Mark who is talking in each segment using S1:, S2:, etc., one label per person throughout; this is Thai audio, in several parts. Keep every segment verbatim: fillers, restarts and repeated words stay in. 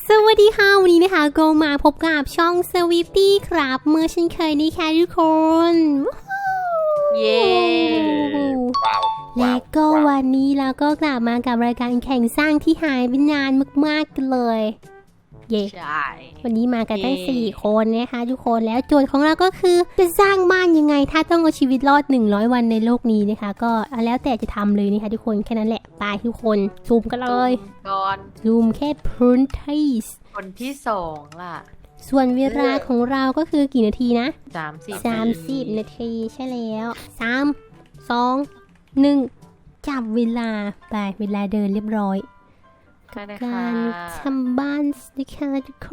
S1: สวัสดีค่ะวันนี้นะคะก็มาพบกับช่อง Sweetie ครับเมื่อเช่นเคยนี่ค่ะทุกคน
S2: เย้
S3: ว้าว
S1: และก็วันนี้เราก็กลับมากับรายการแข่งสร้างที่หายไปนานมากๆกันเลยเย้
S2: ใช่
S1: วันนี้มากันตั้งสี่คนนะคะทุกคนแล้วโจทย์ของเราก็คือจะสร้างบ้านยังไงถ้าต้องเอาชีวิตรอดหนึ่งร้อยวันในโลกนี้นะคะก็แล้วแต่จะทำเลยนะคะทุกคนแค่นั้นแหละไปทุกคนซูมกันเลย
S2: ก่อน
S1: ซูมแค่พื้นที่
S2: คนที่สองล่ะ
S1: ส่วนเวลาของเราก็คือกี่นาทีนะ
S2: สามสิบ
S1: สามสิบนาทีใช่แล้วสามสองหนึ่งจับเวลาไปเวลาเดินเรียบร้อย
S2: ได้เลย
S1: กา
S2: ค่ะ
S1: รทำบ้านนะคะทุกคน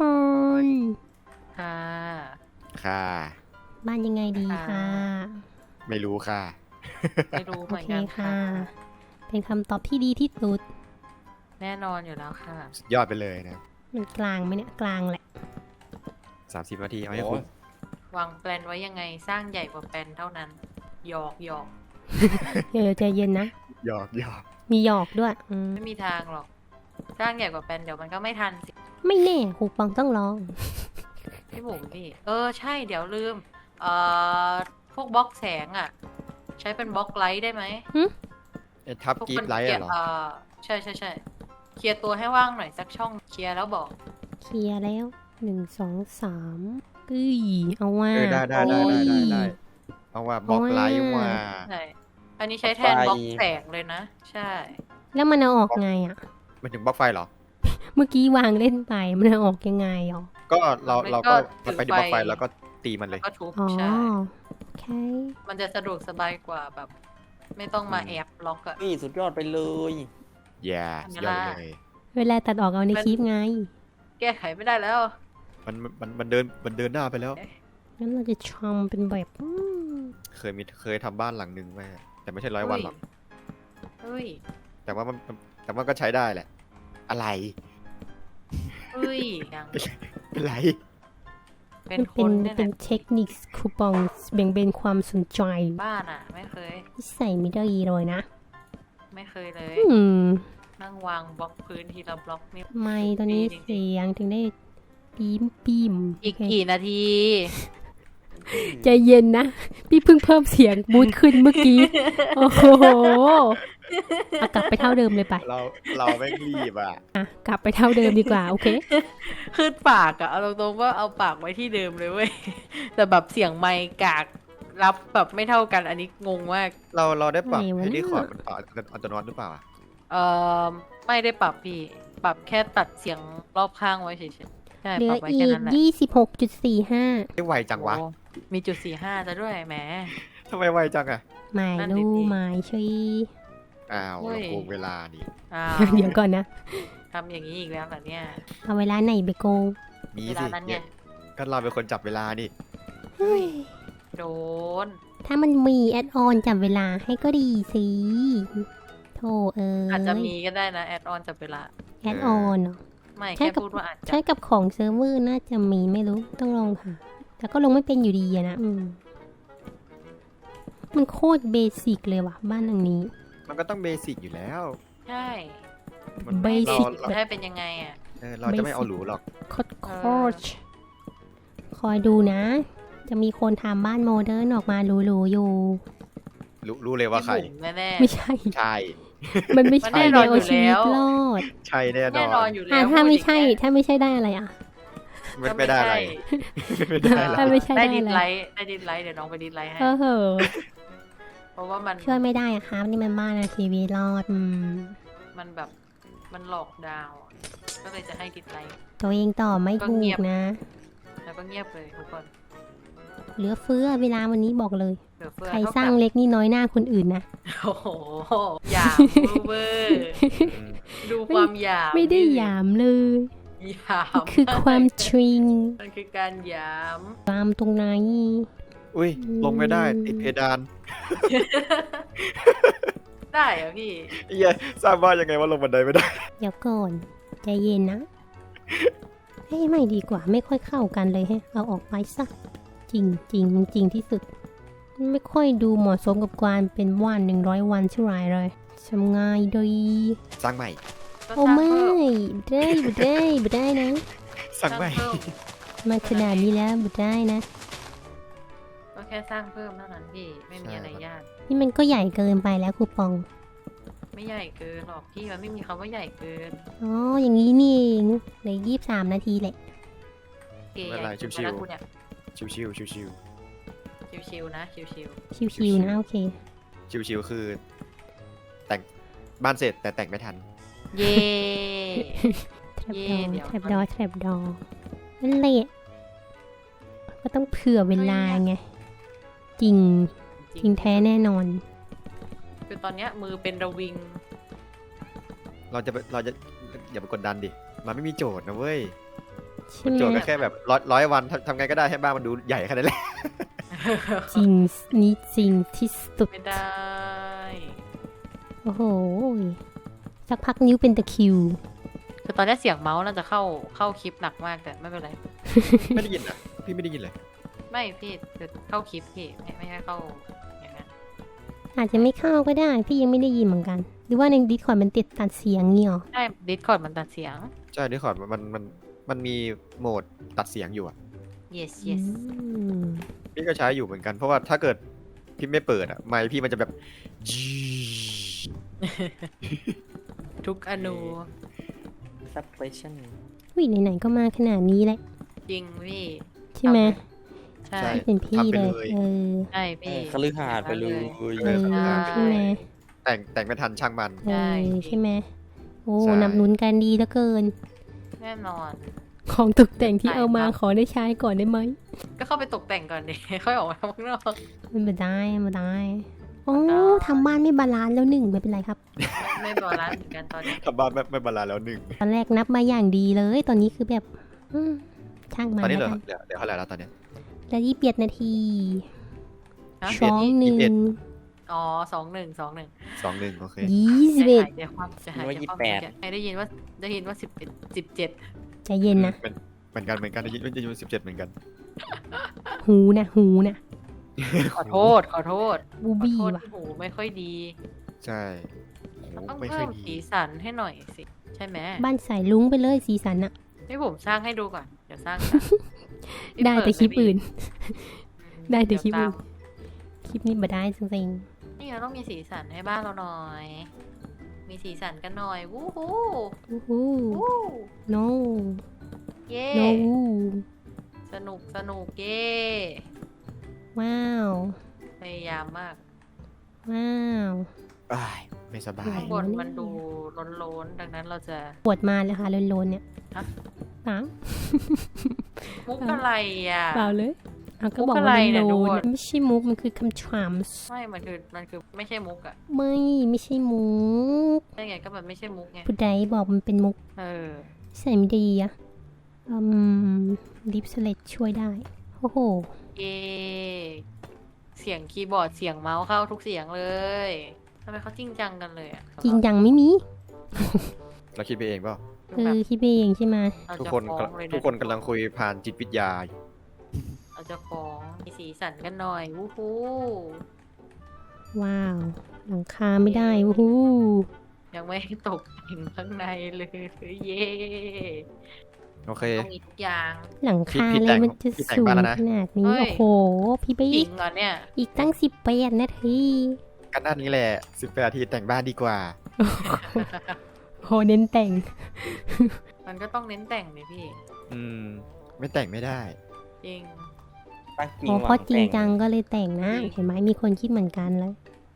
S2: ค่ะ
S3: ค่ะ
S1: บ้านยังไงดีค่ะ
S3: ไม่รู้ค่ะ
S2: ไม่รู้
S1: โอ
S2: เหมือน
S1: เค
S2: กัน
S1: ค่ะ
S2: ค่ะ
S1: เป็นคำตอบที่ดีที่สุด
S2: แน่นอนอยู่แล้วค่ะ
S3: สุดยอดไปเลยนะ
S1: มันกลางไหมเนี่ยกลางแหละ
S3: สามสิบนาทีเอาให้คุณ
S2: วางแปลนไว้ยังไงสร้างใหญ่กว่าแปลนเท่านั้นหยอกหยอก
S1: เออใจเย็นนะ
S3: หยอกหยอก
S1: มีหยอกด้วยอืม
S2: ไม่มีทางหรอกสร้างใหญ่กว่าแปลนเดี๋ยวมันก็ไม่ทันสิ
S1: ไม่แน่หูปังต้องลอง
S2: พี่บุ๋มพี่เออใช่เดี๋ยวลืมเอ่อพวกบล็อกแสงอ่ะ ใช้เป็นบล็อกไลท์ได้ไหม
S3: ไอ้ทับ
S2: พวก
S3: กี
S2: มั
S3: บ
S2: น
S3: ไลท์
S2: เคลีย
S3: อะ
S2: ร์
S3: เหรอ
S2: เอ่อใช่ใช่ใช่เคลียร์ตัวให้ว่างหน่อยสักช่องเคลียร์แล้วบอก
S1: เคลียร์แล้วหนึ่งสองสามกึ้ยเอาว่า
S3: เออได้ได้ได้ได้ได้ได้เอาว่าบล็อกไลท์ว่า
S2: ใช่ อันนี้ใช้แทนบล็อกแสงเลยนะ ใช่
S1: แล้วมันเอาออกไงอ่ะ
S3: มันถึงบล็อกไฟเหรอ
S1: เมื่อกี้วางเล่นไปมันเอาออกยังไงอ่ะ
S3: ก็เรา
S2: มัน
S3: เรา
S2: ก็
S3: ก็ไปที่บล็อกไฟแล้วก็ตีมันเลย
S2: ก็ทุบ
S1: อ๋อ
S2: ใช่
S1: โอเค
S2: มันจะสะดวกสบายกว่าแบบ ไม่ต้องมาแอบล็อกอะ
S4: นี่สุดยอดไปเลย
S3: แย่สุดยอดเลย
S1: เวลาตัดออกเอาในคลิปไง
S2: แก้ไขไม่ได้แล้ว
S3: มันมันมันเดินมันเดินหน้าไปแล้ว
S1: งั้นเราจะทำเป็นแบบอืม
S3: เคยมีเคยทำบ้านหลังนึงแม่แต่ไม่ใช่ร้อยวันหรอก
S2: เฮ้ย
S3: แต่ว่ามันมันแต่ว่าก็ใช้ได้แหละ อะไร
S2: เฮ้ยยัง
S3: เป็นไร
S2: เป็น
S1: มัน
S2: ค
S1: เป็น
S2: นเนี่ย
S1: เป็น
S2: นะ
S1: เทคนิคคูปองแบ่งเบนความสนใจ
S2: บ้านอะไม่เคย
S1: ที่ใส่ไม่ได้เลยนะ
S2: ไม่เคยเลย
S1: อืม
S2: นั่งวางบล็อกพื้นทีละบล็อกนี่
S1: ไม่ตอนนี้
S2: จริงๆ
S1: เสียงถึงได้ปีมปีม
S2: อีก
S1: โเค
S2: กี่นาที
S1: ใจเย็นนะ พี่เพิ่งเพิ่มเสียงบูทขึ้นเมื่อกี้ โอ้โหเอากลับไปเท่าเดิมเลยไป
S3: เราเราไม่รีบอ่ะ
S1: อ่ะกลับไปเท่าเดิมดีกว่า โอเค
S2: ขึ้นปากอะเอาตรงๆว่าเอาปากไว้ที่เดิมเลยเว้ย แต่แบบเสียงไมค์กากรับแบบไม่เท่ากันอันนี้งงมาก
S3: เราเราได้ปรับ
S1: อะไรวะ
S3: ให้
S1: เนี่
S3: ดี
S1: ย
S3: คอร์ดมันปรับอัตโนมัติหรือเปล่าอะ
S2: เอ่อไม่ได้ปรับพี่ ปรับแค่ตัดเสียงรอบข้างไว้เฉยๆใช่
S1: เหลื
S2: ป
S1: อ
S2: รับไว้
S1: อี
S2: แค่
S1: ก
S2: นั้นแหละ
S1: ยี่สิบหกจุดสี่ห้า
S3: ไม่ไวจังวะ
S2: โอ้มีจุดสี่ห้าจะด้วยแหม
S3: ทำไมไวจังอ่ะ
S1: หมาย
S2: นั่นดิ
S1: รู้
S2: พี่
S1: หมายชี
S3: อ้าว
S2: เฮ้
S3: เรา
S2: ย
S3: โกงเวลาดิ
S2: อ้าว
S1: เดี๋ยวก่อนนะ
S2: ทำอย่างนี้อีกแล้วเหรอเนี่ย
S1: เอาเวลาไหนไปโกง
S3: มี
S2: เว
S3: สิ
S2: ลานั้นไง
S3: เนี่ยก็เราเป็นคนจับเวลาดิ
S1: เฮ้ย
S2: โดน
S1: ถ้ามันมีแอดออนจับเวลาให้ก็ดีสิโธ่เอ้ย
S2: อาจจะมีก็ได้นะแอดออนจับเวลา
S1: แอดออนเหรอ
S2: ไม่
S1: ใช่
S2: แค่
S1: กับ
S2: พูดว่าอาจจะ
S1: ใช้กับของเซิร์ฟเวอร์น่าจะมีไม่รู้ต้องลองค่ะ แต่ก็ลงไม่เป็นอยู่ดีอะนะอืมมันโคตรเบสิกเลยว่ะ บ้านหลังนี้
S3: มันก็ต้องเบสิกอยู่แล้ว
S2: ใช่
S3: มัน
S1: เบ
S3: เรา
S1: สิก
S3: เรา
S2: จะให้เป็นยังไงอ่ะ
S3: เออเราจะไม่เอาหรูหรอก
S1: โคตรโคตรคอยดูนะ จะมีคนทำบ้านโมเดิร์นออกมาหรูๆอยู่
S3: รู้รู้เลยว่าใคร
S2: พี่บุ๋มแน่ๆ
S1: ไม่ใช่
S3: ใช่
S1: มันไม่
S2: มัน
S1: ใช่
S2: แน่น
S1: แน
S2: อน
S1: ว
S2: อยู่
S1: ชีวิต
S2: แล้ว
S1: รอด
S3: ใช่แน่น
S2: แน่
S3: อน
S2: อนอยู่แล้ว
S1: อ่ะถ้าไม่ใช่
S2: พูดอย่างเงี้ย
S1: ถ้าไม่ใช่ได้อะไรอ่ะ
S3: ไม่ไม่ได้อะไรไม่ได้อะไร
S1: ถ้าไม่ใช่
S2: ได้
S1: ได้
S2: ดิ
S1: อะ
S2: ส
S1: ไร
S2: ไลท์ได้ดิสไลท์เดี๋ยวน้องไปดิสไลท์ให้
S1: เออเหอะ
S2: เพราะว่ามัน
S1: ช่วยไม่ได้อะครับ นี่มันบ้านอะชีวิตรอดอืม
S2: มันแบบมันหลอกดาวน์อะก็เลยจะให้ดิสไลท์
S1: ตัวเองตอบไม่
S2: ก็
S1: ถู
S2: เงี
S1: ก
S2: ยบ
S1: นะ
S2: แล้วก็เงียบเลยทุกคน
S1: เหลือเฟือเวลาวันนี้บอกเลย
S2: เหลือเฟือ
S1: ใคร
S2: เท่า
S1: สร้าง
S2: กับ
S1: เล็กนี่น้อยหน้าคนอื่นนะ
S2: โอ้โหหยามเวอร์
S3: อืม
S2: ดูความหยาม
S1: ไม่ได้หยามเลย
S2: หยาม
S1: คือความทริง
S2: มันคือการหยาม
S1: ความตรงไหน
S3: อุ้ยลงไม่ได้ติดเพดาน
S2: ได้เหรอพี่
S3: เหี้ยสร้างบ้านยังไงว่าลงบันไดไม่ได้
S1: เดี๋ยวก่อนใจเย็นนะเฮ้ยไม่ดีกว่าไม่ค่อยเข้ากันเลยแฮะเอาออกไปซะจริงจริงจริงที่สุด ไม่ค่อยดูเหมาะสมกับการเป็นว่านหนึ่งร้อยวันเท่าไหรเลยทำง่ายดี
S3: สร้างใหม่
S2: ก็
S1: โอ้
S2: สร้าง
S1: ไม่
S2: เพิ่ม
S1: บุได้บุได้บุได้นะ
S3: สั่งใหม่
S2: เพิ่ม
S1: มาขนาดนี้แล้วบุได้นะ
S2: ก็แค่สร้างเพิ่มเท่านั้นพี่ไม่มีอะไรยาก
S1: นี่มันก็ใหญ่เกินไปแล้วคูปอง
S2: ไม่ใหญ่เกินหรอกพี่มันไม่มีคำว่าใหญ่เกิน
S1: อ๋อ อย่างนี้นี่เองเหลยยี่สิบสามนาทีแหละ
S2: เก๋
S3: ไม่
S2: ให
S3: เป็นไร
S2: ญ่สุด
S3: ชิวๆ
S2: แล้วกูเนี่ย
S3: ชิวชิวชิวชิว
S2: ชิวๆนะชิว
S1: ชิวๆนะโอเค
S3: ชิวชิวๆคือ แต่งบ้านเสร็จแต่แต่งไม่ทัน
S2: ๆเย่
S1: แทรป
S2: เย่
S1: ดอ
S2: เดี๋ยว
S1: แทรปดอแทรปดอนั่นแหละก็ต้องเผื่อเวลาไง จริง จริงแท้แน่นอน
S2: คือตอนเนี้ยมือเป็นระวิง
S3: เราจะไปเราจะอย่าไปกดดันดิ มันไม่มีโจทย์นะเว้ย
S1: ใช่ไห
S3: โจทย์
S1: ม
S3: ก็แค่แบบร้อยร้อยวันทำทำไงก็ได้ให้บ้านมันดูใหญ่แค่นั้นแหละ
S1: จริงนี่จริงที่สุด
S2: ไม่ได้
S1: โอ้โห สักพักนิ้วเป็นตะคริว
S2: คือตอนนี้เสียงเมาส์น่าจะเข้าเข้าคลิปหนักมากแต่ไม่เป็นไร
S3: ไม่ได้ยินอ่ะ พี่ไม่ได้ยินเลย
S2: ไม่พี่คือเข้าคลิปพี่ไม่ไม่ให้เข้าอย่างนั้น
S1: อาจจะไม่เข้าก็ได้ พี่ยังไม่ได้ยินเหมือนกัน หรือว่าในดิสคอร์ดมันติดตัดเสียงเงี้ยหรอ
S2: ใช่ดิสคอร์ดมันตัดเสียง
S3: ใช่ดิคอร์ดมันมันมันมีโหมดตัดเสียงอยู่อ่ะ
S2: yes yes
S1: อืม
S3: พี่ก็ใช้อยู่เหมือนกัน เพราะว่าถ้าเกิดพี่ไม่เปิดอ่ะ ไมค์พี่มันจะแบบ
S2: ทุกอนู
S4: suppression
S1: อุ้ยไหนๆก็มาขนาดนี้แหละ
S2: จริงพี่
S1: ใช่ไหม
S2: ใช่
S3: ใช่
S1: เป็นพี่
S3: ทำไป
S1: เลย
S3: เลย
S1: เออ
S2: ใช่
S4: เอ
S2: พี่
S4: อคฤหาสน์ไปเลย
S1: เออ ใช่ไหม
S3: แต่งแต่งไม่ทันช่างมัน
S1: เออใช่ไหมโอ้
S3: ใช่
S1: นำนุนกันดีเหลือเกิน
S2: แน่นอน
S1: ของตกแต่งที่เอามาขอได้ใช้ก่อนได้ไหม
S2: ก็เข้าไปตกแต่งก่อนดิ ค่อยออกมาข้างนอก
S1: มันไม่ได้ไม่ได้โอ้
S2: ได้
S1: ทำบ้านไม่บาลานซ์แล้วหนึ่งไม่เป็นไรครับ
S2: ไม่บาลานซ์เหมือนกันตอนนี้
S3: ทำบ้านไม่ไม่บาลานซ์แล้วหนึ่ง
S1: ตอนแรกนับมาอย่างดีเลย ตอนนี้คือแบบอืมช่างมั
S3: ตอน นนี้เหลื
S1: แล้
S3: อ
S1: วกัน
S3: เหลือเหลือเท่าไหร่แล้วตอนเนี้ย
S1: แล้วยี่สิบเอ็ดนาที
S2: ฮะ
S1: สองหนึ่ง
S2: อ๋อสองหนึ่งสองหนึ่ง
S3: สองหนึ่งโอเค
S1: ยี่สิบเอ็ด
S2: เดี๋ยวความจะหาย
S4: ว่า
S2: เดี๋ยวความ
S4: ยี่สิบแปด
S2: ใครได้ยินว่าได้ยินว่าสิบเอ็ดสิบเจ็ด
S1: ใจเย็นนะ
S3: เป็นเหมือนกันเหมือนกันได้ยินได้ยินสิบเจ็ดเหมือนกัน
S1: หูนะหูนะ
S2: ขอโทษ ขอโทษ
S1: บู
S2: ขอ
S1: บี้
S2: โทษ
S1: ว่ะ
S2: ที่หูไม่ค่อยดี
S3: ใช่โอ้
S2: ต้อง
S3: ไม่
S2: เพิ่
S3: ค่อย
S2: ม
S3: ดี
S2: สีสันให้หน่อยสิ ใช่ไหม
S1: บ้านสายลุงไปเลยสีสันอะ
S2: ให้ผมสร้างให้ดูก่อน เดี๋ยวสร้างกัน
S1: ได้แต่คลิปอื่น
S2: อืม
S1: ได้แต่คลิป
S2: เยว
S1: อื่น
S2: ตาม
S1: คลิปนี้มาได้จริง
S2: นี่เราต้องมีสีสันให้บ้านเราหน่อย มีสีสันกันหน่อย วู้ฮู้
S1: ๆอู้หู
S2: วู้
S1: no
S2: เย่
S1: no
S2: สนุกสนุกเย่
S1: ว้าว
S2: พยายามมาก
S1: ว้าว
S3: อ้ายไม่สบาย
S2: ข้างบนมันดูโล้นๆ ดังนั้นเราจะ
S1: ปวดมาเลยค่ะโลนๆเนี่ย
S2: ฮะ
S1: เปล่า
S2: มุกอะไรอ่ะ
S1: เปล่าเลยเอาก็
S2: มุก
S1: บอก
S2: อะไร
S1: ว่า
S2: เนี่
S1: โล
S2: ย
S1: น
S2: ดู
S1: ๆไม่ใช่มุกมันคือคำถาม
S2: ไม่ มันคือ มันคือไม่ใช่มุกอะ
S1: ไม่ไม่ใช่มุก
S2: ได้ไงก็มันไม่ใช่มุกไง
S1: ผู้ใดบอกมันเป็นมุก
S2: เออ
S1: ใส่ไม่ดีอะอืมดิฟสเลตช่วยได้โอ้โห
S2: เย่เสียงคีย์บอร์ดเสียงเมาส์เข้าทุกเสียงเลยทำไมเขาจริงจังกันเลยอะ
S1: จริงจังไม่มี
S3: เราคิดไปเองเปล่า
S2: คือ
S1: เอ
S2: แบ
S1: อบ คิดไปเองใช่ไหม
S2: เรา
S3: ทุก
S2: จะ
S3: คน
S2: ฟ้องเลย
S3: ทุกคนกำลังคุยผ่านจิตวิทยาอยู่
S2: เราจะฟ้องมีสีสันกันหน่อย วู้ฮู้
S1: ว้าว หลังคาไม่ได้โอ้โห
S2: ยังไม่ตกถึงข้างในเลยเย่
S3: โอเค
S2: ต้องมีทุกอย่าง
S1: หลังคา
S3: พี่
S1: เล
S3: แต่
S1: ย
S3: ง
S1: มันจะ
S3: พี่แต่ง
S1: สูง
S3: บ้านแล้วนะ
S1: ขนาดนี้
S2: เฮ้ย
S1: โอ้โห พี่ไป
S2: จ
S1: อี
S2: ริ
S1: ก
S2: งเหรอเนี่ย
S1: อีกตั้งสิบแปดนาที
S3: กันด้านนี้แหละสิบแปดนาทีแต่งบ้านดีกว่า
S1: โหเน้นแต่ง
S2: มันก็ต้องเน้นแต่งเลยพี่
S3: อืม ไม่แต่งไม่ได้
S2: จริง
S4: ตั้งจริง
S1: อ๋อ
S4: ห
S1: เพ
S4: วั
S1: ราะจริง
S4: แต่
S1: จังก็เลยแต่งนะ
S2: จริง
S1: เห็นไหมมีคนคิดเหมือนกันเลย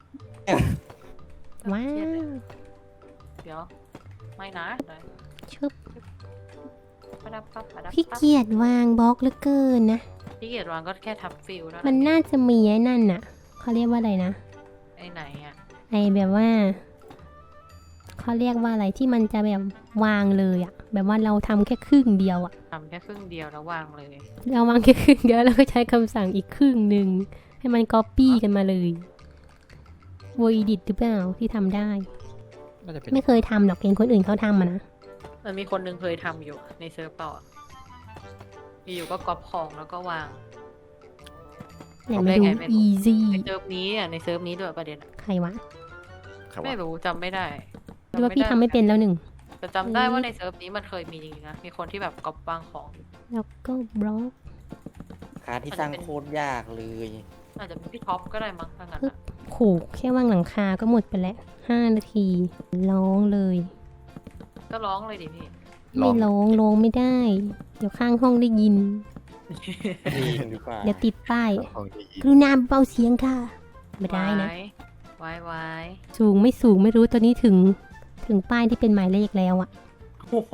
S1: ว้า
S2: เครียดเลยว
S1: ว
S2: เดี๋ยว ไม่นะเดี๋ยว
S1: ชึบ
S2: ประดับปั๊บประดับ
S1: พี่
S2: ปั๊บ
S1: เกียรวางบล็อกเหลือเกินนะ
S2: พี่เกียรติวางก็แค่ทับฟิลแล้ว
S1: มันน่าจะมีไอ้นั่นน่ะ เขาเรียกว่าอะไรนะ
S2: ไอ้ไหนอ่ะ
S1: ไอแบบว่า เขาเรียกว่าอะไรที่มันจะแบบวางเลยอะแบบว่าเราทำแค่ครึ่งเดียวอะ
S2: ทำแค่ครึ่งเดียวแล้ววางเลย
S1: เราวางแค่ครึ่งเดียวแล้วก็ใช้คำสั่งอีกครึ่งหนึ่งให้มันก๊อปปี้กันมาเลยโวอีดิตหรือเปล่าที่ทำได้
S3: น่าจะเป็น
S1: ไม่เคยทำหรอกเห็นคนอื่นเขาทำอะนะ
S2: มันมีคนหนึ่งเคยทำอยู่ในเซิร์ฟเปล่าอะอยู่ๆก็ก๊อปของแล้วก็วาง
S1: ไหนมาดู
S2: ได้ไงไม่รู้
S1: easy
S2: ในเซิร์ฟนี้อ่ะในเซิร์ฟนี้ด้วยประเด็นอะ
S1: ใครวะ
S3: ครับ
S2: ไม่
S3: ว่า
S2: รู้จำไม่ได้
S1: หรือว่าพี่ทำไม่เป็นแล้วหนึ่ง
S2: แต่จำได้ว่าในเซิร์ฟนี้มันเคยมีจริงๆนะมีคนที่แบบก๊อปวางของ
S1: แล้วก็บล็อก
S4: คาที่สร้างโคตรยากเลย
S2: อาจจะเป็นพี่ท็อปก็ได้มั้งถ้างั้นอะ
S1: โขกแค่วางหลังคาก็หมดไปแล้วห้านาทีร้องเลย
S2: ก็ร้องเลยดิพี่
S1: ไม่ร้องร้องไม่ได้ เดี๋ยวข้างห้องได้ยิน
S4: ดีกันดีกว่า
S1: เดี๋ยวติดป้าย
S3: ของดี
S1: กรุณาเบาเสียงค่ะ ไม่ได้นะ
S2: ไว้ไว้
S1: สูงไม่สูงไม่รู้ตอนนี้ถึงถึงป้ายที่เป็นหมายเลขแล้วอะ
S2: โอ้โห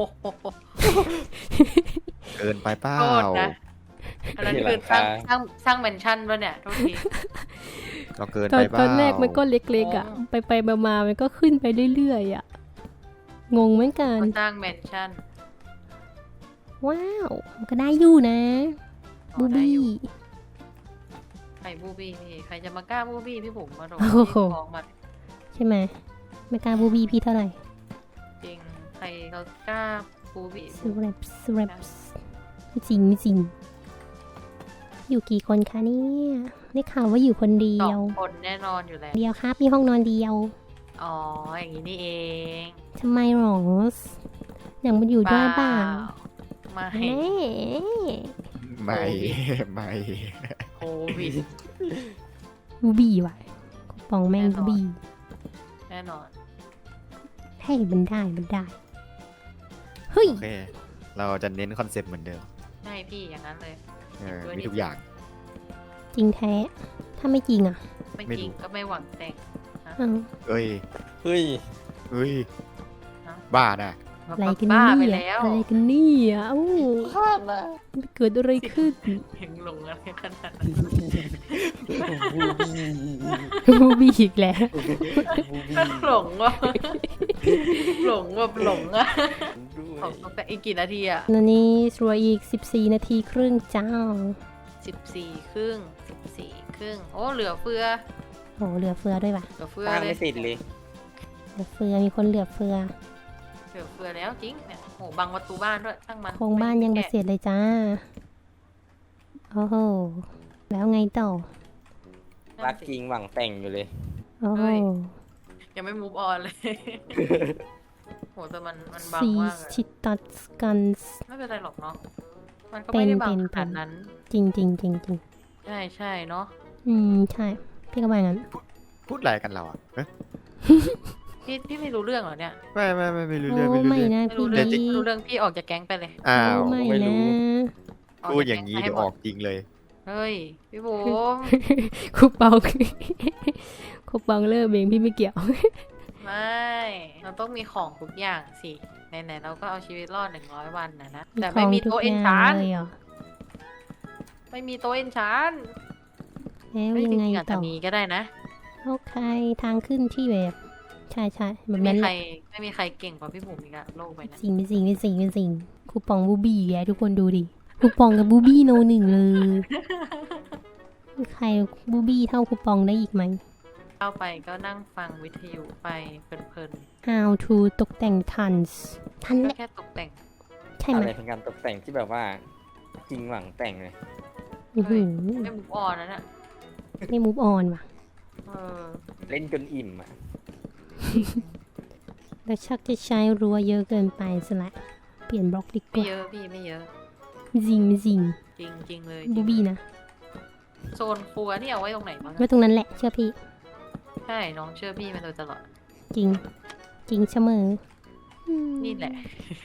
S3: เกินไปเปล่า
S2: โทษนะอันนั้นคือสร้างสร้างสร้างแมนชั่นป่ะเนี่ยโทษที
S3: เราเกิน
S1: ตอ
S3: ไป
S1: น
S3: เปล่า
S1: ตอนแรกมันก็เล็กๆอะ
S2: อ๋อ
S1: ไปไปมามามันก็ขึ้นไปเรื่อยๆอะงงเหมือนกัน
S2: ก็สร้างแมนชั่น
S1: ว้าวมันก็ได้อยู่นะ
S2: อ๋อ
S1: บู
S2: ได้
S1: บี้
S2: อยู่ใครบูบี้พี่ใครจะมากล้าบูบี้พี่ผมมาโดน
S1: โอ้
S2: พี่
S1: โห
S2: ฟ้องมา
S1: ใช่ไหมไม่กล้าบูบี้พี่เท่าไหร่
S2: จริงใครเขากล้าบูบี้
S1: สแรปสแรปไม่จริงไม่จริง อยู่กี่คนคะเนี่ยได้ข่าวว่าอยู่คนเดี
S2: สอ
S1: ยว
S2: งคนแน่นอนอยู่แล้ว
S1: เดียวครับมีห้องนอนเดียว
S2: อ๋ออย่างนี้นี่เอง
S1: ทำไมหรออยากมาอยู่ด้วยบ้าง
S2: ไม่
S1: แม่
S3: ไม่ไม่
S2: โควิด
S1: บูบี้ว่ะกูปองแม่ง
S2: แน่นอน
S1: บูบี้
S2: แน่นอน
S1: ให้มันได้มันได้เฮ้ย
S3: โอเค เราจะเน้นคอนเซปต์เหมือนเดิม
S2: ใช่พี่อย่างนั้นเลย
S3: เออ
S2: ด้วย
S3: มี
S2: ดิ
S3: ทุกอย่าง
S1: จริงแท้ ถ้าไม่จริงอ่ะ
S2: ไม่
S3: ไม่
S2: จริง
S3: รู้
S2: ก็ไม่หวังแต่ง
S1: อ้าว
S3: เอ้ย
S4: เฮ้ย
S3: เอ้ย
S2: เนอะ
S3: บ้าน่ะ
S1: อะไรกัน
S2: บ้า
S1: เนี่
S2: ไป
S1: ย
S2: แล้ว
S1: อะไรกันเนี่ยเอ้า
S4: พลาดนะ
S1: เกิดอะไรขึ้น
S2: เพ่งหลงอะไรขนาดนั้น
S1: บูบี้อีกแล้ว
S4: บูบี้
S2: หลงว่ะหลงแบบหลงอะ
S4: ด้วย
S2: ของตั้งแต่อีกกี่นาทีอะ
S1: ตอนนี้สวยอีกสิบสี่นาทีครึ่งจ้า
S2: สิบสี่ครึ่งสิบสี่ครึ่งโอ้เหลือเฟือ
S1: โหเหลือเฟือด้วยว่ะ
S2: เหลือเฟือ
S4: สร้าง
S2: เล
S4: ไม่
S2: ย
S4: เสร็จเลย
S1: เหลือเฟือมีคนเหลือเฟือ
S2: เหลือเฟือแล้วจริงเนี่ยโหบังประตูบ้านด้วยช่างมัน
S1: โครงบ้านยังไม่
S2: แกะ
S1: เสร็จเลยจ้า โอ้โห แล้วไงต่อ
S4: รักจริงหวังแต่งอยู่เลย
S1: โอ้โห
S2: ยังไม่มูฟออนเลย โหแต่มันมันบัง
S1: ซี
S2: มากเลย
S1: ชิตัสกันส์
S2: ไม่เป็นไรหรอกเนาะมันก็ไม่ได้บัง
S1: เป็น
S2: ข
S1: เป็น
S2: นาดนั้น
S1: จริงจริงจริงจริง
S2: ใช่ใช่เนาะ
S1: อืม ใช่ พี่ก็ว่างั้น
S3: พูดอะไรกันเราอ่ะเอ๊ะ
S2: พี่พี่ไม่รู้เรื่องเหรอเนี่ย
S3: ไม่ไม่ไม่ไม่รู้
S1: โอ้
S3: เรื่องไม่รู้
S1: ไม่
S3: เรื่อง
S1: นะ
S2: ไม่
S1: พี่
S2: รู้เรื่อง
S1: ลี
S2: ไม่รู้เรื่องพี่ออกจากแก๊งไปเลย
S3: อ้าว
S1: โไม่
S4: ไม่รู้
S1: นะ
S3: พูดอย่างนี้
S2: นี้
S3: เดี๋ยวออกจริงเลย
S2: เฮ้ยพี่บุ๋ม
S1: คูปอง คูปองเลิกเองพี่ไม่เกี่ยว
S2: ไม่เราต้องมีของทุกอย่างสิไหนๆเราก็เอาชีวิตรอดหนึ่งร้อยวันนะนะ
S1: มี
S2: แต่
S1: ข
S2: ไม่
S1: อง
S2: มี
S1: ทุก
S2: โต๊ะ
S1: อ
S2: เอ็น
S1: ย่าง
S2: ชาน
S1: เลยเหรอ
S2: ไม่มีโต๊ะเอ็นชาน
S1: แล้ว
S2: ไม่
S1: ยั
S2: จ
S1: งไง
S2: ริงๆอาจ
S1: ต่
S2: จะ
S1: อ
S2: มีก็ได้นะ
S1: โอเคทางขึ้นที่แบบ ใช่ใช่แบบ
S2: ไม่
S1: นั้น
S2: มี
S1: แห
S2: ใคร
S1: ละ
S2: ไม่มีใครเก่งกว่าพี่บุ๋มอีกอะโลกใบนั้น
S1: จริงไม่จริงไม่จริงไม่จริงคูปองบูบี้แกทุกคนดูดิคูปองกับบูบี้โนหนึ่งเลยมีใครบูบี้เท่าคูปองได้อีกไหม
S2: เข้าไปก็นั่งฟังวิทยุไปเพลิน
S1: How to ตกแต่งทันส์ทัน
S2: ๆ
S1: แห
S2: ก็
S1: ละ
S2: แค่ตกแต่ง
S1: ใช่ไหม
S4: อะไรเป็นการตกแต่งที่แบบว่า จริงหวังแต่งเลย
S1: อื้อหือ
S2: ไม่มุกออนนะเนี่ย
S1: ไม่มูฟออนว่ะ
S2: เออ
S4: เล่นจนอิ่มอ่ะ
S1: แล้วชักจะใช้รั้วเยอะเกินไปซะละเปลี่ยนบล็อกดีก
S2: ไม่
S1: ว่า
S2: เยอะพี่ไม่เยอะ
S1: จริงไม่จริง
S2: จริงจริงๆเลย
S1: บูบี้นะ
S2: โซนครัวนี่เอาไว้ตรงไหนบ้าง
S1: ไว้ตรงนั้นแหละเชื่อพี่
S2: ใช่น้องเชื่อพี่มาโดยตลอด
S1: จริง จริงเสมออืม
S2: นี่แหละ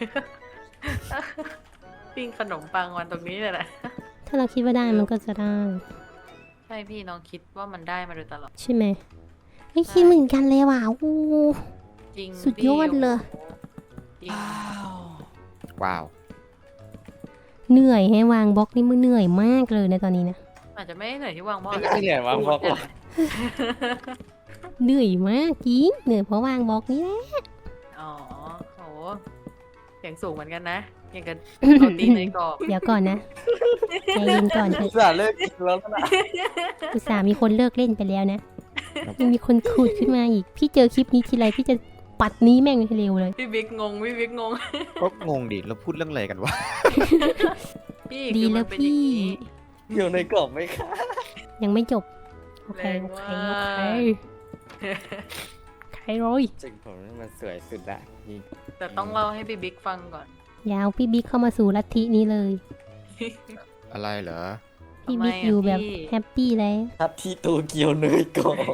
S2: ปิ้งขนมปังวันตรงนี้เลยแหละ
S1: ถ้าเราคิดว่าได้มันก็จะได้
S2: ใช่พี่น้องคิดว่ามันได้มาโดยตลอด
S1: ใช่ไหมไม่คิดเหมือนกันเลยว่ะโอ้
S2: จริง
S1: สุดยอดเลย
S2: จริง
S3: ว้าว
S1: เหนื่อยให้วางบล็อกนี่มันเหนื่อยมากเลยนะตอนนี้นะ
S2: อาจจะไม่เหนื่อยที่วางหม้อ
S4: ไม่เหนื่อยวางบล็อกหรอก
S1: เหนื่อยมากจริงเหนื่อยเพราะวางบล็อกนี่แหละ
S2: อ๋อโหเสียงสูงเหมือนกันนะอย่างกับเอาตีนในกรอบ
S1: เดี๋ยวก่อนนะใจเย็นก่อนเถ
S4: อุ
S1: อะ
S4: ตส่าห์เลิกกินแล้วนะ
S1: อุตส่าห์มีคนเลิกเล่นไปแล้วนะยังมีคนขุดขึ้นมาอีก พี่เจอคลิปนี้ทีไรพี่จะปัดนี้แม่งให้เร็วเลย
S2: พี่บิ๊กงงพี่บิ๊กงง
S3: ก็งงดิเราพูดเรื่องอะไรกันวะ
S2: พี่
S1: ดี
S2: คือมั
S1: แล้
S2: น
S1: ว
S2: เป็นอย่าง
S1: พี่
S2: นี้
S4: อยู่ในกรอบไหมคะ
S1: ยังไม่จบ โอเค
S2: แรง
S1: โอเค
S2: มาก
S1: โอเคโอเคเลย
S4: จริงผมนี่มันสวยสุดละจริง
S2: แต่ต้องเล่าให้พี่บิ๊กฟังก่อน
S1: ยาวพี่บิ๊กเข้ามาสู่ลัทธินี้เลย
S3: อะไรเหรอ
S1: พี่
S2: ทำไม
S1: บิ๊ก
S2: อะ
S1: อยู่แบบ
S2: พี่
S1: แฮปปี้แล้ว
S4: ทับที่โตเกียวเนยกรอบ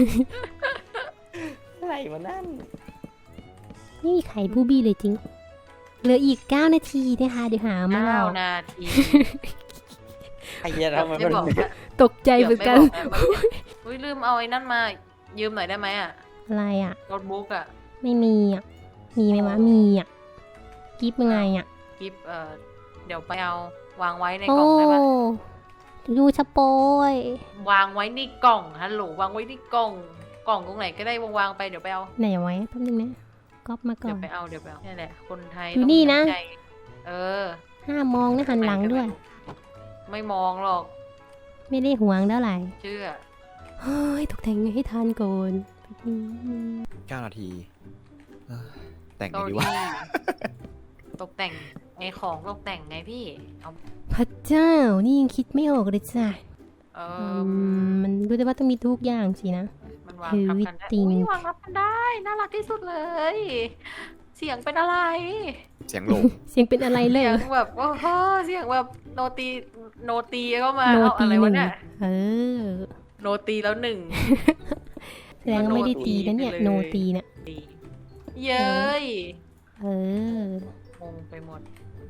S4: อะไรวะนั่น
S1: นี่ไข่บูบี้เลยจริง เหลืออีกเก้านาทีนะคะเดี๋ยวหามา
S2: เก้า
S1: เล่า
S2: นาที
S4: ไอ้เหี้ยทำไม
S2: ไม่
S4: มัน
S2: บอกนะ
S1: ตกใจเหมือนกัน
S2: เดี๋ยวไม่บอกนะอุ้ยลืมเอาไอ้นั่นมา ยืมหน่อยได้ไหมอ่ะ
S1: อะไรอ่ะ
S2: โน้ตบุ๊กอ่ะ
S1: ไม่มีอ่ะ มีไหมวะ มีอ่ะ กิฟยังไงอ่ะ
S2: กิฟเอ่อเดี๋ยวไปเอาวางไว้ในก
S1: โอ้
S2: ล่องได้ปะ
S1: ยูชะโปยว
S2: างไว้ในกล่องฮัลโหลวางไว้ในกล่อง กล่องตรงไหนก็ได้วางๆไปเดี๋ยวไปเอา
S1: ไหนไว้แป๊บนึงนะก๊อปมาก่อ
S2: เดี๋ยวน ไปเอาเดี๋ยวไปเอานี่แหละคนไทย
S1: อยู่
S2: ต้อง
S1: นี่
S2: มี
S1: นะ
S2: ใจเออ
S1: ห้ามองนะหันหลังด้วย
S2: ไม่มองหรอก
S1: ไม่ได้ห่วงเท่าไหร่
S2: เชื่อ
S1: เฮ้ยตกแต่งให้ทันก่อนแป๊บนึง
S3: เก้านาทีเอ้ยแต่งไง
S2: เกาห
S3: ดี
S2: ลี
S3: วะ
S2: ตกแต่งไอของตกแต่งไงพี่ เอา
S1: พระเจ้า นี่ยังคิดไม่ออกเลยจ้ะ
S2: เอ
S1: อื
S2: อ
S1: มมันรู้แต่ว่าต้องมีทุกอย่างสินะ
S2: มันวาง
S1: คือ
S2: ทับ
S1: วิ
S2: กันได้
S1: ติง
S2: อุ้ยวางทับกันได้ น่ารักที่สุดเลย เสียงเป็นอะไร
S3: เสียงโหลง
S1: เสียงเป็นอะไรเล
S2: เสี
S1: ย
S2: ยงแบบโอ้โหเสียงแบบโนตีโนตีก็มา
S1: โน
S2: เอา
S1: ตี
S2: อะไร
S1: ห
S2: วะ
S1: นึ่ง
S2: เนี่ย
S1: เออ
S2: โนตีแล้วหนึ่ง
S1: แสดงว่าไม่ได้ตีนะเนี่ย
S2: เลย
S1: โนตีเนี่ย
S2: ตีเย้ย
S1: เออ
S2: งงไปหมด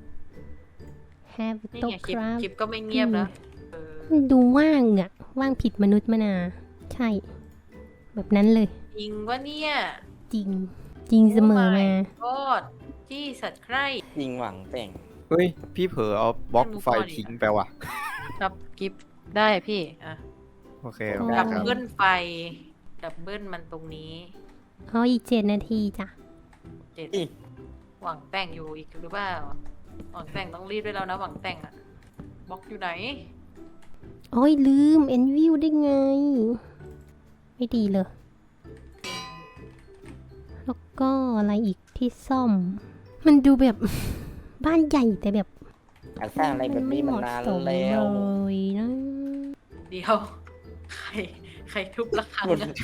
S1: have
S2: นี่
S1: ตก
S2: ไงค
S1: ค
S2: ลิป
S1: รับ
S2: คลิปก็ไม่เงียบนะเออ
S1: มันดูว่างอะว่างผิดมนุษย์มานา ใช่ แบบนั้นเลย
S2: จริงวะเนี่ย
S1: จริง จริงเสมอมา
S2: โคตรที่สัตว์ใคร
S4: ยิงหวังแต่ง
S3: เฮ้ย พี่เผลอเอาบล็อก
S2: ไม่รู้
S3: ไฟ
S2: ก่อนอีก
S3: ทิ้งไปว่ะ
S2: ครับกิฟได้พี่อ่ะ
S3: โอเค
S1: โอ้
S3: โอเค
S2: ดับ
S3: ครับ
S2: เบิลไฟ ดับเบิลมันตรงนี้
S1: เอาอีกเจ็ดนาทีจ้ะ
S2: เจ็ด
S4: อี
S2: หวังแต่งอยู่อีกหรือเปล่า หวังแต่งต้องรีบด้วยแล้วนะหวังแต่งอะบล็อกอยู่ไหน
S1: โอ้ยลืม เอ็นวิวได้ไง ไม่ดีเลย แล้วก็อะไรอีกที่ซ่อม มันดูแบบ บ้านใหญ่แต่แบบ
S4: การสร้างอะไรแบบนี้มันนาน
S1: ไเหะสม
S4: แล้ว
S1: เลยนะ
S2: เดี๋ยว ใคร ใครทุบระฆัง
S4: มัน
S2: อะ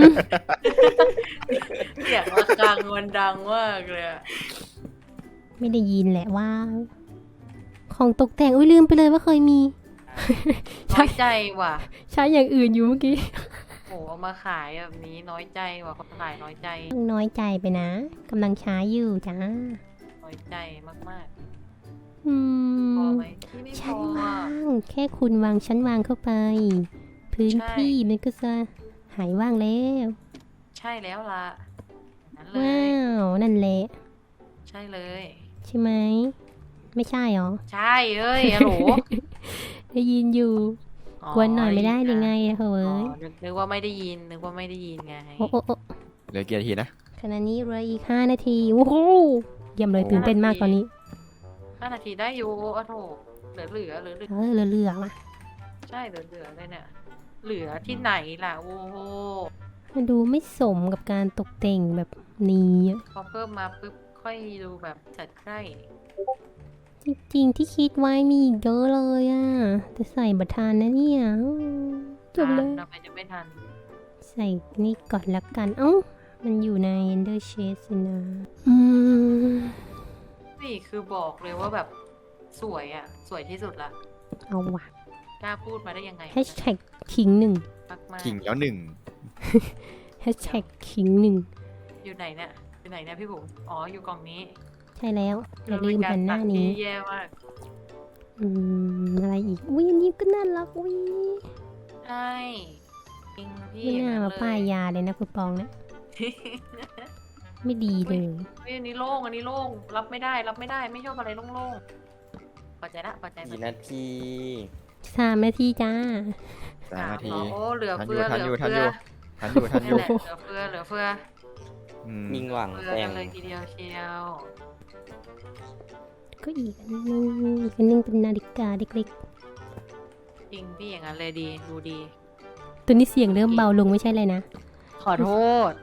S2: เสียงระฆังมันดังมากเลยอะ
S1: ไม่ได้ยินแหละว่า ของตกแต่งอุ้ยลืมไปเลยว่าเคยมี
S2: น้อยใจว่ะ
S1: ใช้อย่างอื่นอยู่เมื่อกี้
S2: โอ้เอามาขายแบบนี้น้อยใจว่ะเขาขายน้อยใจ
S1: ต้องน้อยใจไปนะกำลังใช้อยู่จ้า
S2: น้อยใจมาก
S1: อื
S2: ๆ พอ
S1: ม
S2: ไหมที่ไม่พ
S1: ชั้น
S2: อ
S1: วา
S2: อะ
S1: ง แค่คุณวางชั้นวางเข้าไป พื้น
S2: ใช่
S1: ที่มันก็จะหายว่างแล้ว
S2: ใช่แล้วล่ะนั่นเล
S1: ว้าย ว นั่นแหละ
S2: ใช่เลย
S1: ใช่ไหม ไม่ใช่หรอ
S2: ใช่เอ้ยฮัลโหล
S1: ได้ยินอยู่ กวนหน่อยไม่ได้ยังไงอะเฮ้
S2: อ๋อย นึกนึกว่าไม่ได้ยิน นึกว่าไม่ได้ยินไง
S1: โอ้โอ้โอ้
S3: เหลือกี่นาทีนะ
S1: ขณะนี้เหลืออีกห้านาที โอ้โหเยี่ยมเลยตื่นเต้นมากตอนนี้
S2: ห้านาทีได้อยู่อ่ะโถเหลือเหลือเหลือเหลือ
S1: เออเหลือๆว่ะ
S2: ใช่เหลือเหลือเลยเนี่ย เหลือที่ไหนล่ะ โอ้โห
S1: มันดูไม่สมกับการตกแต่งแบบนี้อะ
S2: พอเพิ่มมาปุ๊บค่อยดูแบบจัดใกล้
S1: จริงๆที่คิดไว้มีอีกเยอะเลยอะแต่ใส่บัตรทานนะเนี่ยจบเลย
S2: ทำไมจะไม่ทัน
S1: ใส่นี่ก่อนละกัน เอ้า มันอยู่ใน Ender Shade สินะ อืม
S2: นี่คือบอกเลยว่าแบบสวยอ่ะ สวยที่สุดละ
S1: เอาว่ะ
S2: กล้าพูดมาได้ยังไง
S1: แฮชแท็กขิงหนึ่ง
S2: มากมาก
S3: ขิงแล้วหนึ่ง
S1: แฮชแท็กขิงหนึ่ง
S2: อยู่ไหนเนี่ยอยู่ไหนเนี่ยพี่ผมอ๋ออยู่กล่องนี้
S1: ใช่แล้ว อย่าลืมหันหน้า
S2: เป็
S1: นี้
S2: กรตัดที่แย่มาก
S1: อืม อะไรอีก อุ้ยอันนี้ก็น่ารักอุ้ย
S2: ใช่จริงพี่
S1: ไม่น่ามาป้าย
S2: ย
S1: ยาเลยนะคุณปองนะ ไม่ดีเลย
S2: เฮ้ยอันนี้โล่งอันนี้โล่งรับไม่ได้รับไม่ได้ไม่ชอบอะไรโล่งๆปัจจัยละปัจจัย
S4: กี่นาที
S1: สามนาทีจ้า
S3: สามนาที
S2: โอ้เหลือ
S3: ทันอ
S2: เฟื
S3: ยู่
S2: อ
S3: ทัน
S2: เห
S3: อ
S2: ลื
S3: ยู่
S2: อ
S3: ทัน
S2: เฟื
S3: อ
S2: อยู่
S3: ทันอยู่ทันอ
S2: นี่
S3: ยู่
S2: แหละเหลือเฟือเหลือเฟือ
S3: อืม
S4: ยิงหวัง
S2: เฟือ
S4: แต่
S2: กั
S4: ง
S2: นเลยทีเดียวเชียว
S1: ก็อีกอันนึงอีกอันนึงเป็นนาฬิกาเล็ก
S2: จริงพี่อย่างนั้นเลยดีดูดี
S1: ๆ ตัวนี้เสียงเริ่มเบาลงไม่ใช่เลยนะ
S2: ขอโทษ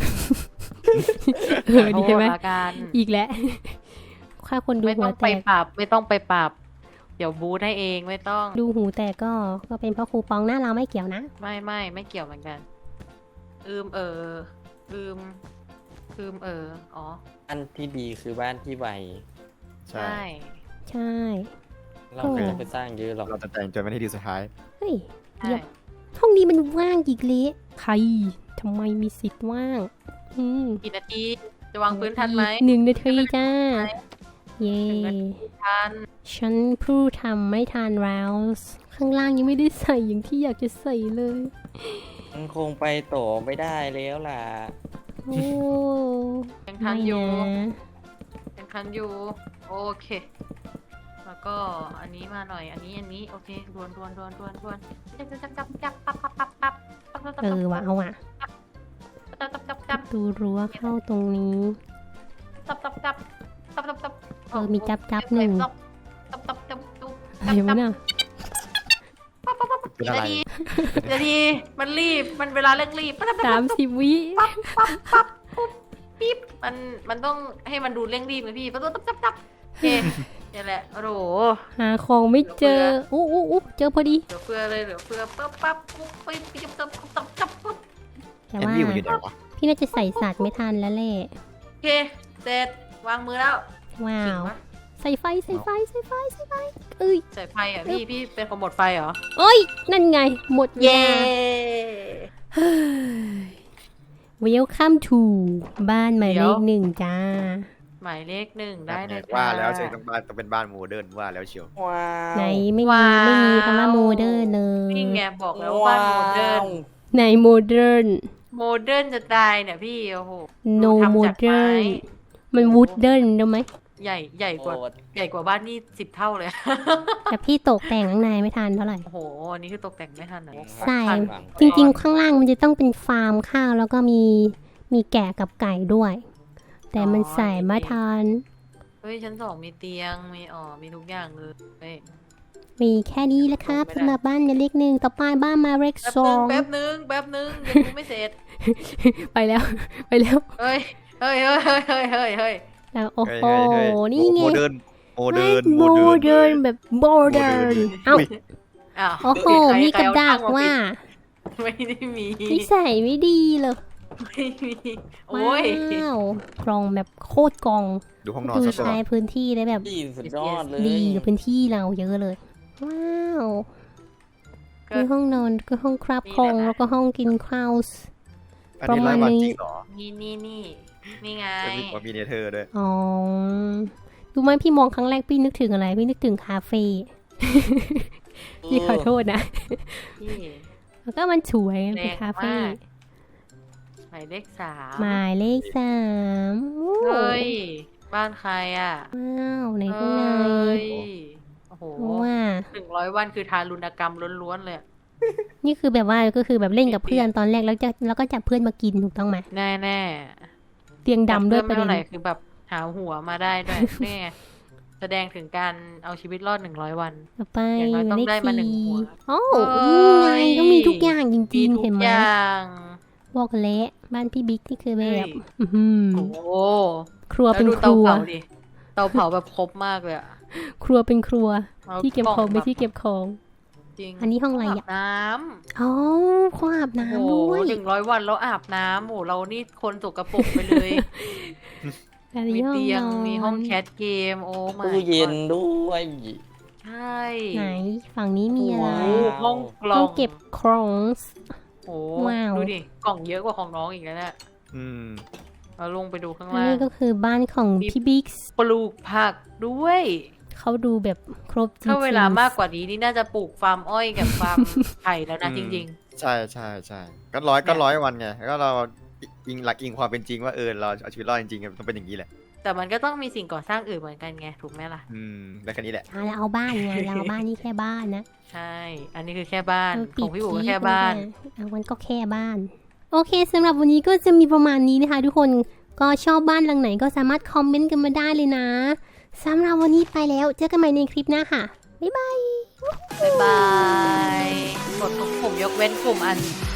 S1: เออดีใช่ไหม
S2: ขอโทษละกัน
S1: อีกแล้ว ค่าคนดู
S2: ไม่
S1: หั
S2: ต้
S1: ว
S2: อง
S1: แต
S2: ไป
S1: ก
S2: ปรับ ไม่ต้องไปปรับ เดี๋ยวบูทให้เองไม่ต้อง
S1: ดูหูแตกก็ ก็เป็นเพราะครูปองหน้าเราไม่เกี่ยวนะ
S2: ไม่ไม่ไม่เกี่ยวเหมือนกัน อืมเออลืมลืมเอออ๋อ
S4: บ้านที่ดีคือบ้านที่ไว
S3: ใช่
S2: ใช่
S1: ใช่
S4: เราไม่ต้องไปสร้างเยอะหรอก
S3: เราจะแต่งจนไม่ได้ดีสุดท้าย
S1: เฮ้ย
S2: ใช่
S1: เดี๋ยวห้องนี้มันว่างอีกเละใครทำไมมีสิทธิ์ว่างอืม
S2: กี่นาทีจะวางพื้นทันไหม
S1: หนึ่งนาทีจ้า เย่
S2: ทัน
S1: ฉันเพูดทำไม่ทันแล้วข้างล่างยังไม่ได้ใส่อย่างที่อยากจะใส่เลย
S4: มันคงไปต่อไม่ได้แล้วล่ะ
S1: โอ้
S2: ยังทั
S1: ไม่
S2: นอยู่
S1: นะ
S2: ยังทันอยู่โอเค แล้วก็อันนี้มาหน่อยอันนี้อันนี้โอเคดวนดวนดวนดวนดวนจับจับจับจับปั๊บปั๊บปั๊บปั๊บปั๊บปั๊บปั๊บ
S1: เออว่ะเอาว่ะ
S2: จับจับจับจับ
S1: ดูรั้วเข้าตรงนี้
S2: จับจับจับจับจับจับ
S1: เออมีจับจับหนึ่ง
S2: จับจับจับจับจับ
S1: อะไรวะเนี่ย
S3: เป็นอะไร
S2: ดีเดี๋ยวดีมันรีบมันเวลาเร่งรีบปั๊บปั๊บ
S1: สามสิบวิ
S2: ปั๊บปั๊บปั๊บปุ๊บปิ๊บมันมันต้องให้มันดูเร่งรีบไงพี่ปั๊บปั๊บปั๊บปั๊บโอเคนี่แหละโอ้โห
S1: หาของไม่เจออู้อู้อู้เจอพอดี
S2: เหลือเฟือเลยเหลือเฟือปั๊บปั๊บปุ๊บปิ๊บปิ๊บจับจับจับจับปุ๊บ
S1: แต่
S3: แอน
S1: ว่า
S3: วิวอยู่ไหนวะ
S1: พี่น่าจะใส่สัตว์ไม่ทันแล้วแหละ
S2: โอเคเสร็จวางมือแล้ว
S1: ว้า
S2: จริง
S1: ว
S2: ปะ
S1: ใส่ไฟใส่ไฟใส่ไฟใส่ไฟเอ้ย
S2: ใส่ไฟอ่ะพี่พี่เป็นคนหมดไฟเหรอ
S1: เอ้ยนั่นไงหมดเว
S2: เย้
S1: ลา Welcome to บ้านหมายเลขหนึ่งจ้า
S2: หมายเลขหนึ่งได้เลย
S3: ว่าแล้ว
S2: จ้
S3: เชียงต้องบ้านต้องเป็นบ้านโมเดิร์นว่าแล้วเชียว
S4: ว้าว
S1: ไหนไม่มีไม่มีคำว่าโมเดิร์นเลย
S2: นี่ไงบอกแล้วว่าบ้านโมเดิร์น
S1: ไหนโมเดิร์น
S2: โมเดิร์นจะตายเนี่ยพี่โอ้โห
S1: no
S2: ทำจากไม้
S1: modern มันวูดเดิร์นได้ไหม
S2: ใหญ่ใหญ่กว่า
S4: โอ้
S2: ใหญ่กว่าบ้านนี่สิบเท่าเลย
S1: แต่พี่ตกแต่งข้างในไม่ทันเท่าไหร่
S2: โอ้โหอันนี้คือตกแต่งไม่ทันอ่ะ
S1: ใส่
S2: ทัน
S1: จริงๆ ข้างล่างมันจะต้องเป็นฟาร์มข้าวแล้วก็มีมีแกะกับไก่ด้วย แต่มันใส่ไม่ทัน
S2: เฮ้ยชั้นสองมีเตียงมีอ๋อมีทุกอย่างเลยเฮ้ย
S1: มีแค่นี้แหละครับ
S2: ไม่ได้
S1: สำหรับบ้านหมายเลขหนึ่งต่อไปบ้านหมายเลข
S2: แป๊บ
S1: ส
S2: นึ
S1: อง ง
S2: แป๊บนึงแป๊บนึงยังดูไม่เสร็จ
S1: ไปแล้ว ไปแล้ว
S2: เฮ้ยเฮ้ยเฮ้ยเฮ้ยเฮ้ยเฮ้ยเฮ้ย
S1: แล้วโอ้โห
S3: เฮ้ยเฮ้ยเฮ้ย
S1: นี่ไง
S3: โมเดิร์นโมเดิร์น
S1: โมเดิร์นแบบโมเดิร์นเอ้า
S3: อุ๊ย
S2: อ้าว
S1: โอ้โห
S2: ใคร
S1: มีกระ
S2: ใคเอ
S1: ดาษ
S2: ตั้งม
S1: ว่า
S2: ปิดไม่ได้มี
S1: นิสัยไม่ดีเลย
S2: ไม่มีโอ้
S1: ว้าย วกล่องแบบโคตรกล่อง
S3: ดูห้องนอน
S1: ดู
S3: ซะก่อ
S1: ใช้
S3: น
S1: พื้นที่ได้แบบ
S4: พี่สุดยอดเลย
S1: ดีกับพื้นที่เราเยอะเลย ว้าว
S2: ก็
S1: มีห้องนอนก็ห้องคราบ
S2: นี่
S1: คอง
S2: แหละ
S1: แล้วก็ห้องกินข้าว
S3: อันนี้
S1: ประ
S3: ไร้
S1: มาณ
S3: วัน
S1: นี้
S3: จริงเหรอ
S2: นี่นี่นี่นี่ไง
S3: จะมีกว่ามีเนเธอร์ด้วย
S1: อ๋อดูไหมพี่มองครั้งแรกพี่นึกถึงอะไร พี่นึกถึงคาเฟ่ พี่ขอโทษนะ
S2: พี่
S1: แล้วก็มันสวย
S2: แร
S1: เป็น
S2: ง
S1: คาเฟ่
S2: มากหมายเลขสาม
S1: หมายเลขสามโอ้
S2: เฮ้ยบ้านใครอ่ะ
S1: ว้าวใน
S2: เฮ
S1: ข้างใน้
S2: ยโอ้โห
S1: ว่า
S2: หนึ่งร้อยวันคือทารุณกรรมล้วนๆเลยอะ
S1: นี่คือแบบว่าก็คือแบบเล่นกับเพื่อนตอนแรกแล้วจะแล้วก็จับเพื่อนมากินถูกต้องไหม
S2: แน่แน่
S1: เตียง
S2: ๆ
S1: ดำด้วยป
S2: ไม่
S1: ระเด็
S2: เท่าน ไหร่คือแบบหาหัวมาได้ด้วย นี่ไงแสดงถึงการเอาชีวิตรอดหนึ่งร้อยวัน
S1: ต่อไป
S2: อย่างน้อยต้อง
S1: เลข
S2: ได้มาหนึ่ง
S1: สี่
S2: หัว
S1: โอ้
S2: เฮ้
S1: นี่
S2: ย
S1: ไงก็มีทุกอย่างจ
S2: มี
S1: ริงๆ
S2: ทุ
S1: เห็น
S2: ก
S1: ไหม
S2: อย่าง
S1: บอกเละบ้านพี่บิ๊กนี่คือแบ
S2: เฮ้ย
S1: บอื้อหือ
S2: โอ้โห
S1: ครัว
S2: แล้ว
S1: เป็น
S2: ดู
S1: ค
S2: เตา
S1: รัว
S2: เผาดิเตาเผาแบบครบมากเลยอะ
S1: ครัวเป็นครัว
S2: อา
S1: ที่เก็บของไม่ที่เก็บของ
S2: จริง
S1: อันนี้ห้องอะไร
S2: อา
S1: อ่ะ
S2: บน้
S1: อ๋อเขาอาบ
S2: ำ
S1: น้ำ
S2: โอ้โห
S1: ด้วย
S2: หนึ่งร้อยวันแล้วอาบน้ำโอ้โหเรานี่คนสกปรกไปเลย
S1: อัน
S2: มี
S1: นี้ห้อง
S2: เตียง
S1: นอน
S2: มีห้องแคทเกมโอ้มา
S4: ตู้เย็นด้วย
S2: ใช่
S1: ไหนฝั่งนี้มีอะไร
S2: โอ้โหห้องกล่
S1: ห้
S2: อ
S1: อง งเก็บของ
S2: โอ้
S1: ว้าว
S2: ดูดิกล่องเยอะกว่าของน้องอีกแล้วเนี่ย
S3: อืม
S2: เราลงไปดูข้าง
S1: อัน
S2: ล่าง
S1: นี้ก็คือบ้านของพี่บิ๊ก
S2: ปลูกผักด้วย
S1: เขาดูแบบครบจริงๆ
S2: ถ้าเวลามากกว่านี้นี่น่าจะปลูกฟาร์มอ้อยกับฟาร์ม ไผ่แล้วนะ
S3: อืม
S2: จริง
S3: ใช่ใช่ใช่ก็ร้อยก็ร้อยวันไงก็เราอิงหลักอิงความเป็นจริงว่าเออเราเอาชีวิตรอดจริงๆมันต้องเป็นอย่างนี้แหละ
S2: ๆ แต่มันก็ต้องมีสิ่งก่อสร้างอื่นเหมือนกันไงถูกไหมล่ะ
S3: อืมได้แค่นี้แหละ
S1: อ่ะเราเอาบ้านไงเราเอาบ้านนี่แค่บ้านนะ
S2: ใช่ อันนี้คือแค่บ้าน
S1: เออ
S2: ของพี่อู๋
S1: ปิ
S2: ก็
S1: ด
S2: แค่บ้าน
S1: เอามันก็แค่บ้าน โอเคสำหรับวันนี้ก็จะมีประมาณนี้นะคะ ทุกคนก็ชอบบ้านหลังไหนก็สามารถคอมเมนต์กันมาได้เลยนะสำหรับวันนี้ไปแล้วเจอกันใหม่ในคลิปหน้าค่ะบ๊ายบาย
S2: บ๊ายบาย กดทุกปุ่มยกเว้นปุ่มอัน